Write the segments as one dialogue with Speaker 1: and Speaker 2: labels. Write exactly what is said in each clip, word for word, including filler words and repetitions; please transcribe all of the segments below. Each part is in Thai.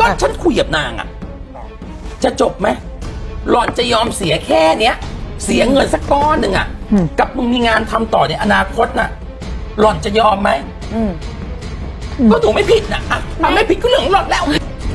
Speaker 1: าฉันคุยกับนางอ่ะจะจบไหมหล่อนจะยอมเสียแค่เนี้ยเสียเงินสักก้อนหนึ่งอ่ะกับมึงมีงานทำต่อในอนาคตน่ะหล่อนจะยอมไหมก็หนูไม่ผิดนะอ่ะมันไม่ผิดก็เรื่องของหล่อนแล้ว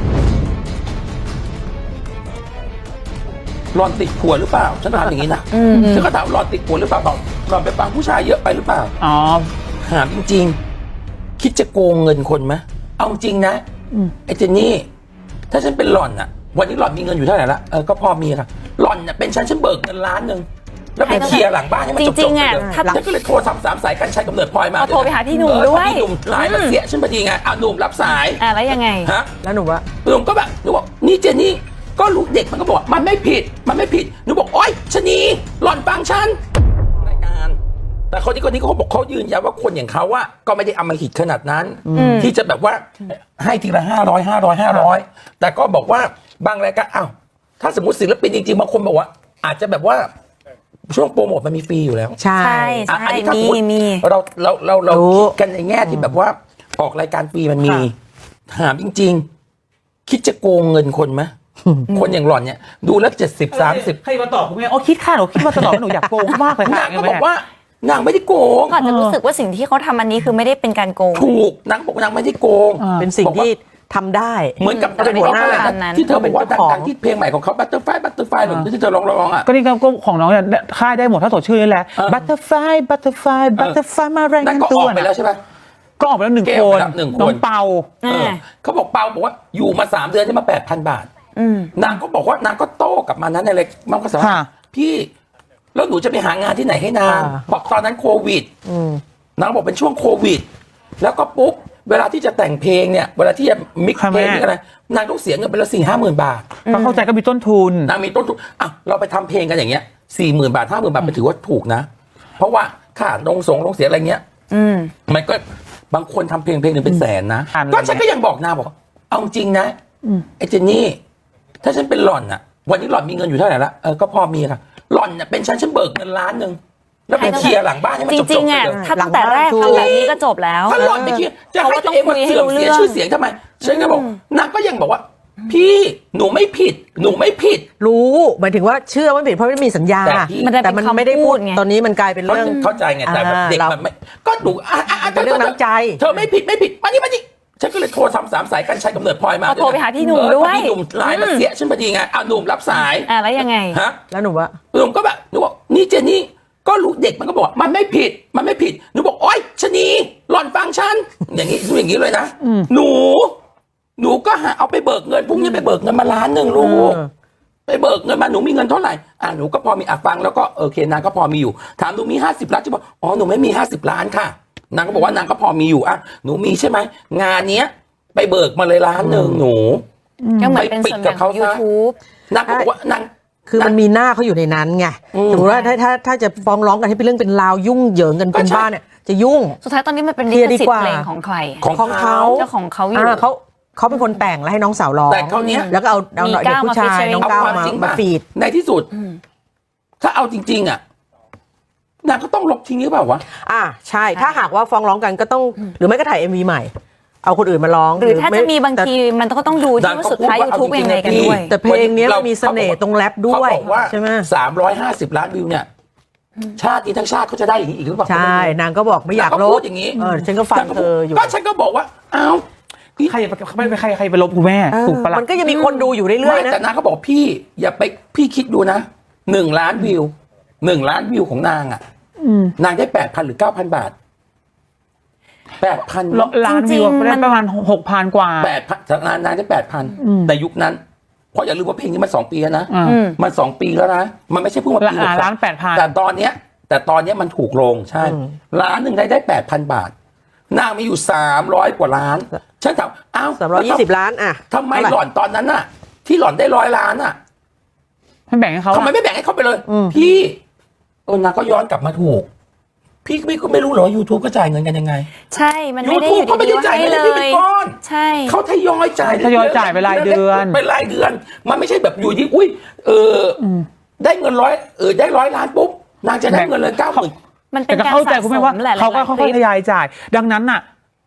Speaker 1: หล่อนติดผัวหรือเปล่าฉันถามอย่างนี้นะฉันก็ถามหล่อนติดผัวหรือเปล่าบอกหล่อนไปฟังผู้ชายเยอะไปหรือเปล่าอ๋อถามจริงๆคิดจะโกงเงินคนไหมเอาจริงนะไอ้เจนนี่ถ้าฉันเป็นหล่อนอ่ะวันนี้หล่อนมีเงินอยู่เท่าไหร่ละเออก็พอมีค่ะหล่อนเนี่ยเป็นฉันฉันเบิกเงินล้านหนึ่งแล้วไปเคลียร์หลังบ้านให้มันจบๆเลยฉันก็เลยโทรสามสามสายกันชัยกำเนิดพลอยมา
Speaker 2: โทรไปหาพี่หนุ่มด้วย
Speaker 1: พี่หนุ่มไลน์มาเสียฉันพอดีไงอ่ะหนุ่มรับสาย
Speaker 2: อ่ะแล้วยังไง
Speaker 1: ฮะ
Speaker 3: แล้วหนูว่า
Speaker 1: หนุ่มก็แบบหนูบอกนี่เจนนี่ก็รู้เด็กมันก็บอกมันไม่ผิดมันไม่ผิดหนูบอกโอ๊ยชะนีหล่อนฟังฉันรายการแต่คนนี้คนนี้เขาบอกเขายืนยันว่าคนอย่างเขาอะก็ไม่ได้อำมหิตขนาดนั้นที่จะแบบว่าให้ทีละห้าร้อยห้าร้อยห้าร้อยแต่ก็บอกว่าบางรายการอ้าวถ้าสมมติศิลปินจริงๆบางคนบอกว่าอาจจะแบบว่าช่วงโปรโมทมันมีฟรีอยู่แล้ว
Speaker 2: ใช่ใช่มีมี
Speaker 1: เราเราเราเราคิดกันในแง่ที่แบบว่าออกรายการฟรีมันมีถามจริงๆคิดจะโกงเงินคนไหมคนอย่างหล่อนเนี่ยดูแล้วเจ็ดสิบสามสิบ
Speaker 4: ใครมาตอบคุณแม่อ๋อคิดค่าหนูคิดมาตลอดหนูอยากโกงมากเลยค่ะ
Speaker 1: นางก็บอกว่านางไม่ได้โกง
Speaker 2: ก่อนจะรู้สึกว่าสิ่งที่เขาทำอันนี้คือไม่ได้เป็นการโกง
Speaker 1: ถูกนางบอกนางไม่ได้โกง
Speaker 3: เป็นสิ่งที่ทำได้
Speaker 1: เหมือนกับเป็นหัวหน้าที่เธอบอกว่าดังๆที่เพลงใหม่ของเขา Butterfly Butterfly หรือที่เธอร้องๆอ่ะ
Speaker 4: ก็นี่ก็ของน้องเนี่ยค่ายได้หมดถ้าสดชื่อนี่แหละ Butterfly Butterfly Butterfly มาแรง
Speaker 1: กันตัวนั่นก็ออกไปแล้วใช่ไหม
Speaker 4: ก็ออกไปแล้วหนึ่งคนน้องเปา
Speaker 1: เขาบอกเปาบอกว่าอยู่มาสามเดือนได้มาแปดพันบาทนางก็บอกว่านางก็โต้กลับมานั้นอะไรมันก็สารพี่แล้วหนูจะไปหางานที่ไหนให้นางบอกตอนนั้นโควิดนางบอกเป็นช่วงโควิดแล้วก็ปุ๊บเวลาที่จะแต่งเพลงเนี่ยเวลาที่จะมิกซ์เพลงนี่อะไรนางต้องเสียเงินไปละสี่ห้าหมื่นบาท
Speaker 4: ก็เข้าใจก็มีต้นทุน
Speaker 1: นางมีต้นทุนอ่ะเราไปทำเพลงกันอย่างเงี้ยสี่หมื่นบาทห้าหมื่นบาทมันถือว่าถูกนะเพราะว่าค่าลงสงลงเสียอะไรเงี้ยมันก็บางคนทำเพลงเพลงหนึ่งเป็นแสนนะก็ฉันก็ยังบอกนางบอกเอาจริงนะไอ้เจนนี่ถ้าฉันเป็นหล่อนอ่ะวันนี้หล่อนมีเงินอยู่เท่าไหร่ละเออก็พอมีค่ะหล่อนเนี่ยเป็นฉันฉันเบิกเงินล้านหนึ่งแล้วไปเคลียร์หลังบ้านให้มันจบๆ
Speaker 2: จริงๆอ่ะถ้าตั้งแต่แรกทำแบบนี้ก็จบแล้ว
Speaker 1: ถ้าหล่อนไปเคลียร์จะให้ตัวเองมาเสื่อมเสียชื่อเสียงทำไมฉันก็บอกนางก็ยังบอกว่าพี่หนูไม่ผิดหนูไม่ผิด
Speaker 3: รู้หมายถึงว่าเชื่อว่าผิดเพราะไม่มีสัญญาแต่มันไม่ได้พูดตอนนี้มันกลายเป็นเรื่อง
Speaker 1: เข้าใจไงแต่เด็กมันไม่ก็หนู
Speaker 3: เป็นเรื่องน้ำใจ
Speaker 1: เธอไม่ผิดไม่ผิดมานี่มานี่ฉันก็เลยโทรสามสามสายกันชัยกำเนิดพลอยมา
Speaker 2: โทรไปหาพี่หนุ่มด้วย
Speaker 1: พี่หนุ่มไลน์มาเสียฉันพอดีไงอ่ะหนุ่มรับสาย
Speaker 2: อ่ะแล้วยังไง
Speaker 1: ฮะ
Speaker 3: แล้วหนูว่า
Speaker 1: หนุ่มก็แบบหนูบอกนี่เจนนี่ก็รู้เด็กมันก็บอกมันไม่ผิดมันไม่ผิดหนูบอกโอ๊ยชะนีหล่อนฟังฉันอย่างนี้ดูอย่างนี้เลยนะหนูหนูก็หาเอาไปเบิกเงินพรุ่งนี้ไปเบิกเงินมาล้านหนึ่งลูกไปเบิกเงินมาหนูมีเงินเท่าไหร่อ่ะหนูก็พอมีอ่ะฟังแล้วก็โอเคนางก็พอมีอยู่ถามหนูมีห้าสิบล้านจะบอกอ๋อหนูไม่มีห้าสิบล้านค่ะนางก็บอกว่านางก็พอมีอยู่อ่ะหนูมีใช่ไหมงานเนี้ยไปเบิกมาเลยล้านหนึ่งหนู
Speaker 2: ก็เหมือนเป็นส่วนแบ่งของ YouTube
Speaker 1: นางก็บอกว่านาง
Speaker 3: คือมันมีหน้าเขาอยู่ในนั้นไงสมมติว่าถ้าถ้าถ้าจะฟ้องร้องกันให้เป็นเรื่องเป็นราวยุ่งเหยิงกันเป็นบ้านเนี่ยจะยุ่ง
Speaker 2: สุดท้ายตอนนี้มันเป็นลิขสิทธิ์เพลงของใคร
Speaker 3: ของเขา
Speaker 2: เจ้าของเขาอยู่
Speaker 3: เขาเขาเป็นคนแต่งแล้วให้น้องสาวร้อง
Speaker 1: แต่เขาเนี้ย
Speaker 3: แล้วก็เอาเอาเด็กผู้ชายน้องก้าวมามาฟีด
Speaker 1: ในที่สุดถ้าเอาจริงๆอ่ะนางก็ต้องลบทิ้งหรือเปล่าวะ
Speaker 3: อ่าใช่ถ้าหากว่าฟ้องร้องกันก็ต้องหรือไม่ก็ถ่าย เอ็ม วี ใหม่เอาคนอื่นมาร้อง
Speaker 2: หรือถ้าจะมีบางทีมันก็ต้องดูที่ว่าสุดท้าย YouTube ยังไงกันด้วย
Speaker 3: แต่เพลงนี้มันมีเสน่ห์ตรงแรปด้วย
Speaker 1: ใช่ไหมสามร้อยห้าสิบล้านวิวเนี่ยชาตินี้ทั้งชาติเขาจะได้อย่างนี้อีกหรือเปล่า
Speaker 3: ใช่นางก็บอกไม่อยากลบ
Speaker 1: อย่างนี้
Speaker 3: เออฉันก็ฟังเธออยู่
Speaker 1: ก็ฉันก็บอกว่าอ้าว
Speaker 4: ใครไม่ไปใครใครไปลบคุณแม่ถูกปะล่ะ
Speaker 3: มันก็ยังมีคนดูอยู่เรื่อยๆนะ
Speaker 1: แต่นางก็บอกพี่อย่าไปพี่คิดดูนะหนึ่งล้านวิวหนึ่งล้านวิวของนางอ่ะนางได้แปดพันหรือเก้าพันบาทแปดพัน
Speaker 4: ล้านวิวได้ประมาณหกพันกว่า
Speaker 1: แปดพันนานนานได้แปดพันแต่ยุคนั้นเพราะอย่าลืมว่าเพลงนี้มันสองปีแล้วนะมันสองปีแล้วนะมันไม่ใช่เพิ่งมาปีหก
Speaker 4: ล้านแปดพัน
Speaker 1: แต่ตอนเนี้ยแต่ตอนเนี้ยมันถูกลงใช่ล้านหนึ่งได้ได้แปดพันบาทนางมีอยู่สามร้อยกว่าล้านฉันถามอ้าว
Speaker 3: สามร้อยยี่สิบล้านอ่ะ
Speaker 1: ทำไมหล่อนตอนนั้นน่ะที่หล่อนได้ร้อยล้านอ่ะ
Speaker 4: ไม่แบ่งให้เขา
Speaker 1: ทำไมไม่แบ่งให้เขาไปเลยพี่เออนางก็ย้อนกลับมาถูกพี่ไม่ก็ไม่รู้หรอ YouTube ก็จ่ายเงินกันยังไง
Speaker 2: ใช่มันไม่ได้อยู่ดีๆให้เลยใช่
Speaker 1: เขาทยอยจ่าย
Speaker 4: ทยอยจ่ายไปรายเดือน
Speaker 1: เป็นรายเดือนมันไม่ใช่แบบอยู่ที่อุ้ยเออได้เงินร้อยเออได้ร้อยล้านปุ๊บนางจะได้เงินเลยเก้าหมื่น
Speaker 2: มันเป็นการ
Speaker 4: สะสมแหละเขาก็ค่อยๆทยอยจ่ายดังนั้นน่ะ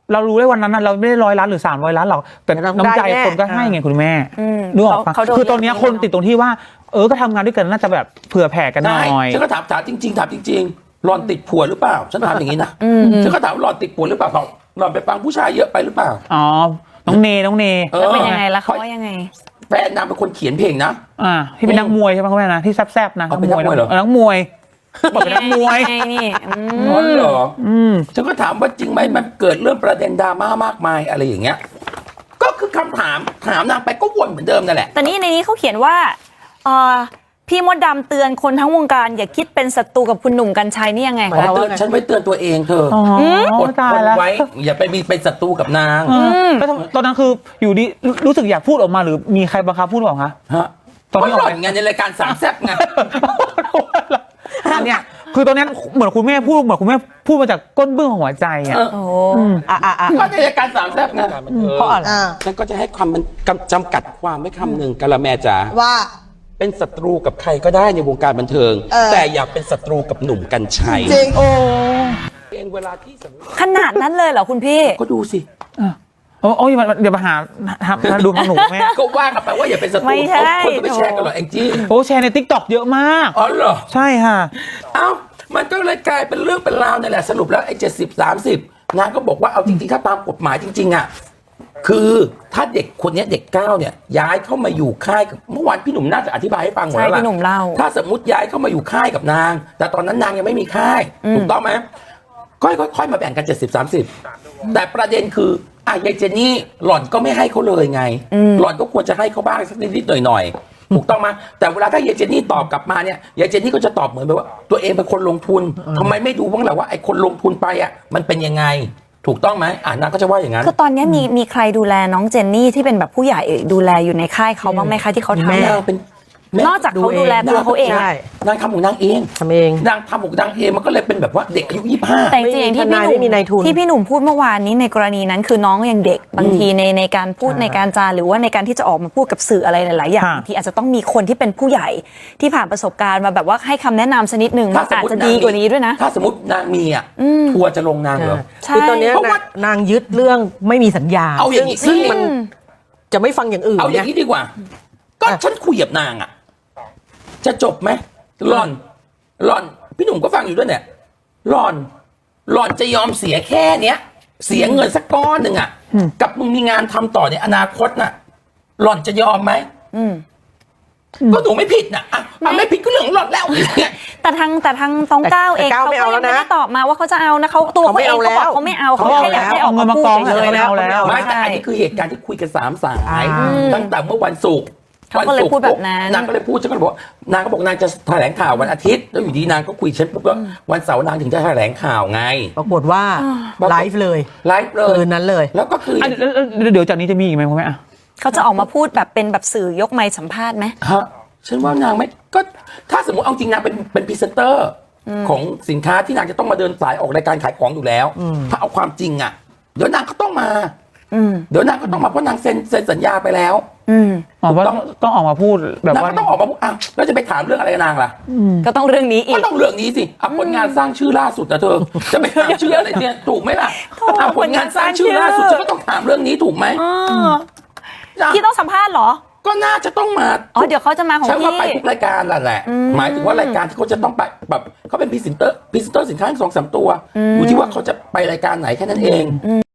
Speaker 4: เรารู้ได้วันนั้นน่ะเราไม่ได้ร้อยล้านหรือสามร้อยล้านหรอกแต่
Speaker 3: แต่เรา
Speaker 4: น้ำใจ
Speaker 3: ได้แน่
Speaker 4: คนก็ให้ไงคุณแม่
Speaker 2: อืม
Speaker 4: นึกออกปะ
Speaker 2: เขาเขาโดน
Speaker 4: คือตอนเนี้ยคนติดตรงที่ว่า เออก็ทำงานด้วยกันน่าจะแบบเผื่อแผ่กันหน่
Speaker 1: ใช่
Speaker 4: อย
Speaker 1: ฉันก็ถามถามจริงๆถามจริงๆหลอนติดผัวหรือเปล่า ฉันถามอย่างนี้นะฉันก็ถามว่าหลอนติดผัวหรือเปล่าบอกหลอนไปฟังผู้ชายเยอะไปหรือเปล่า
Speaker 4: อ๋อน้องเนน้องเน
Speaker 1: เออ
Speaker 2: แล้วเป็นยังไงล่ะเขาว่ายังไง
Speaker 1: แฟนนางเป็นคนเขียนเพลงนะ
Speaker 4: อ่าที่เป็นนักมวยใช่ไหมคุณแม่นะที่แซ่บๆนะ
Speaker 1: เอาเป็นนักมวยเหรอ
Speaker 4: นักมวยบอกเป็นนักมวย
Speaker 2: ไงนี่อืม
Speaker 1: อ๋อเหรอ
Speaker 4: อืม
Speaker 1: ฉันก็ถามว่าจริงไหมมันเกิดเรื่องประเด็นดราม่ามากมายอะไรอย่างเงี้ย ก็คือคำถามถามนางไปก็วนเหมือนเดิมนั่นแหละ
Speaker 2: แต่นี่ในนี้เขาเขียนว่าเอ่อพี่มดดำเตือนคนทั้งวงการอย่าคิดเป็นศัตรูกับคุณหนุ่มกัญชัยนี่ยังไง
Speaker 3: หมาย
Speaker 1: อ๋อ
Speaker 3: ความ
Speaker 1: เตื
Speaker 3: ว่า
Speaker 1: อน
Speaker 3: ไง
Speaker 1: ฉันไว้เตือนตัวเองเธอ
Speaker 4: อ๋อ
Speaker 1: อด
Speaker 4: ตา
Speaker 1: ท
Speaker 4: ย
Speaker 1: น
Speaker 4: แล้ว
Speaker 1: ไว้ อย่าไปมีเป็นศัตรูกับนาง
Speaker 4: แล้วตอนนั้นคืออยู่ดีรู้รู้สึกอยากพูดออกมาหรือมีใครบังคับพูดออกคะ
Speaker 1: ฮะ
Speaker 4: ตอน
Speaker 1: ก็
Speaker 4: ที่อ
Speaker 1: ห
Speaker 4: อก
Speaker 1: ล่อนไงในรายการสามแซ่บไง
Speaker 4: เนี่ยคือตอนนั้นเหมือนคุณแม่พูดเหมือนคุณแม่พูดมาจากก้นเบื้องของหัวใจอ่ะ
Speaker 1: เออ
Speaker 2: โอ้
Speaker 3: อ่ะอ่ะอ่ะ
Speaker 1: ก็ในรายการสามแซ่บไง
Speaker 3: เพราะอะไร
Speaker 5: อ่า
Speaker 1: ฉันก็จะให้ความมันกำจำกัดความไว้คำหนึ่งกะละแมจ๋า
Speaker 5: ว่า
Speaker 1: เป็นศัตรูกับใครก็ได้ในวงการบันเทิง
Speaker 5: เออ
Speaker 1: แต่อย่าเป็นศัตรูกับหนุ่มกัญชัย
Speaker 5: จริง
Speaker 1: เองเวลาที่สมมติ
Speaker 2: ขนาดนั้นเลยเหรอคุณพี่
Speaker 1: ก็ดูสิ
Speaker 4: โอ้โอ้ยเดี๋ยวมาหาหาหาดูทางหนูแม่
Speaker 1: ก็ว่ากันไปว่าอย่าเป็นศัตรู
Speaker 2: ไม่ใช่
Speaker 1: คนก็ไปแชร์กันเหรอแองจี้
Speaker 4: โอ้แชร์ในทิกตอกเยอะมาก
Speaker 1: อ๋อเหรอ
Speaker 4: ใช่ค่ะ
Speaker 1: เอ้า มันก็เลยกลายเป็นเรื่องเป็นราวนี่แหละสรุปแล้วไอ้เจ็ดสิบสามสิบนางก็บอกว่าเอาจริงๆถ้าตามกฎหมายจริงๆอ่ะคือถ้าเด็กคนเนี้ยเด็กเก้าเนี่ยย้ายเข้ามาอยู่ค่ายกับเมื่อวานพี่หนุ่มน่าจะอธิบายให้ฟังหมด
Speaker 2: ใช่
Speaker 1: แล้วล่ะ
Speaker 2: พี่หนุ่มเล่า
Speaker 1: ถ้าสมมติย้ายเข้ามาอยู่ค่ายกับนาง แต่ตอนนั้นนางยังไม่มีค่ายถูกต้องไหมค่อยๆค่อยๆมาแบ่งกันเจ็ดสิบสามสิบแต่ประเด็นคืออ่ะยายเจนนี่หล่อนก็ไม่ให้เขาเลยไง หล่อนก็ควรจะให้เขาบ้างสักนิดๆหน่อยๆถูกต้องไหมแต่เวลาถ้ายายเจนนี่ตอบกลับมาเนี่ยยายเจนนี่ก็จะตอบเหมือนแบบว่า ตัวเองเป็นคนลงทุนทำไมไม่ดูบ้างล่ะว่าไอ้คนลงทุนไปอ่ะมันเป็นยังไง ถูกต้องไหมอ่านางก็จะว่าอย่างนั้น
Speaker 2: คือตอนนี้มีมีใครดูแลน้องเจนนี่ที่เป็นแบบผู้ใหญ่ดูแลอยู่ในค่ายเขาบ้างไหมคะที่เขาทำ
Speaker 3: แม่
Speaker 1: นางเป็นแม่
Speaker 2: นอกจากเขาดูแลตัวเขาเอง
Speaker 3: ใช่
Speaker 1: นางทำของนางเอง
Speaker 3: ทำเอง
Speaker 1: นางทำของนางเองมันก็เลยเป็นแบบว่าเด็กอายุยี่สิบห้า
Speaker 2: แต่จริงๆอย่างที่พี่หนุ่
Speaker 3: ไม่มีนายทุน
Speaker 2: ที่พี่หนุ่มพูดเมื่อวานนี้ในกรณีนั้นคือน้องยังเด็กบางทีในในการพูดในการจาหรือว่าในการที่จะออกมาพูดกับสื่ออะไรหลายๆอย่าง
Speaker 4: ค่ะ
Speaker 2: บางทีอาจจะต้องมีคนที่เป็นผู้ใหญ่ที่ผ่านประสบการณ์มาแบบว่าให้คำแนะนำสักนิดหนึ่งมันอาจจะดีกว่านี้ด้วยนะ
Speaker 1: ถ้าสมมตินางมีอ่ะทัวร์จะลงนางเหรอ
Speaker 2: ใช่
Speaker 3: คือตอนเนี้ย
Speaker 1: เพราะว่า
Speaker 3: นางนางยึดเรื่องไม่มีสัญญา
Speaker 1: เอาอย่างนี้
Speaker 3: ซึ่งซึ่งมันจะไม่ฟังอย่างอื่น
Speaker 1: เอาอย่าง
Speaker 3: ไง
Speaker 1: นี้ดีกว่า ก็ฉันคุยกับนางอ่ะ จะจบไหมหล่อนหล่อน พี่หนุ่มก็ฟังอยู่ด้วยเนี่ยหล่อน หล่อนจะยอมเสียแค่เนี้ย เสียเงินสักก้อนหนึ่งอ่ะ กับมึงมีงานทำต่อในอนาคตน่ะ หล่อนจะยอมไหม
Speaker 2: อืม
Speaker 1: ก็หนูไม่ผิดนะอ่ะอ่ะไม่ผิดก็เรื่องของหล่อนแล้วเนี่ย
Speaker 2: แต่ทางแต่ทางตองก้าวเอง
Speaker 3: แต่ก้าว
Speaker 2: เขา
Speaker 3: ไม่
Speaker 2: ก็
Speaker 3: เอา
Speaker 2: ยัง
Speaker 3: แล้ว
Speaker 2: ไม่
Speaker 3: นะ
Speaker 2: ได้ตอบมาว่าเขาจะเอานะเขาตัว
Speaker 3: เขา
Speaker 2: เขา
Speaker 3: ไม่
Speaker 2: เอง
Speaker 3: เอา
Speaker 2: เขาบอก
Speaker 3: แล้ว
Speaker 2: เขาไม่เอา
Speaker 3: เขา
Speaker 2: เขา
Speaker 3: ไม่
Speaker 2: แค่
Speaker 3: เอา
Speaker 2: อยากให้
Speaker 3: แล้ว
Speaker 2: ออกมาพูด
Speaker 4: เอาเงินมากอง
Speaker 2: เฉยๆ
Speaker 3: เลยแล้ว
Speaker 1: ไม่แต่
Speaker 2: ใช่
Speaker 1: อันนี้คือเหตุการณ์ที่คุยกันสามสาย
Speaker 3: อ่า
Speaker 1: ตั้งแต่เมื่อวันศุกร์
Speaker 2: เขาก็เลยพูดแบบนั้น
Speaker 1: นางก็เลยพูดฉันก็เลยบอกว่านางก็บอกนางจะแถลงข่าววันอาทิตย์แล้วอยู่ดีนางก็คุยฉันปุ๊บว่าวันเสาร์นางถึงจะแถลงข่าวไง
Speaker 3: ปรากฏว่าไลฟ์เลย
Speaker 1: ไลฟ์เลย
Speaker 3: คืนนั้นเลย
Speaker 1: แล้วก็คือ
Speaker 4: อ่ะแล้วแล้วเดี๋ยวจากนี้จะมีอีกไหมคุณแม่อ่ะ
Speaker 2: เขาจะออกมาพูดแบบเป็นแบบสื่อยกไมค์สัมภาษณ์ไหม
Speaker 1: ฮะฉันว่านางไม่ก็ถ้าสมมติเอาจริงนางเป็นเป็นพรีเซนเตอร์ของสินค้าที่นางจะต้องมาเดินสายออกรายการขายของอยู่แล้ว ถ้าเอาความจริงอ่ะเดี๋ยวนางก็ต้องมา
Speaker 2: อืม
Speaker 1: เดี๋ยวนางก็ต้องมาเพราะนางเซ็นเซ็นสัญญาไปแล้ว
Speaker 2: อืม
Speaker 4: อ๋อว่า
Speaker 1: ต้อง
Speaker 4: ต้องออกมาพูดแบบ
Speaker 1: นาง
Speaker 4: ว่า
Speaker 1: ก็ต้องออกมาพูดอ้าวแล้วจะไปถามเรื่องอะไรกับนางล่ะ
Speaker 2: ก็ต้องเรื่องนี้อี
Speaker 1: ก็
Speaker 2: ก
Speaker 1: ต้องเรื่องนี้สิอ่ะผลงานสร้างชื่อล่าสุดนะเธอ จะไปถามชื่ออะไรเนี่ยถูกไหมล่ะ
Speaker 2: โถ่
Speaker 1: อ่ะผลงานสร้างชื่อล่าสุดฉันก็ต้องถามเรื่องนี้ถูกไหม
Speaker 2: อ๋อ
Speaker 1: อ่ะ
Speaker 2: พี่ต้องสัมภาษณ์เหรอ
Speaker 1: ก็น่าจะต้องมา
Speaker 2: อ๋อเดี๋ยวเขาจะมาของ
Speaker 1: ฉันว่า
Speaker 2: พี่
Speaker 1: ไปทุกรายการแหละแหละ หมายถึงว่ารายการที่เขาจะต้องไปแบบเขาเป็นพรีเซนเตอร์พรีเซนเตอร์สินค้าสองสามตัวอยู่ที่ว่าเขาจะไปรายการไหนแค่นั้นเอง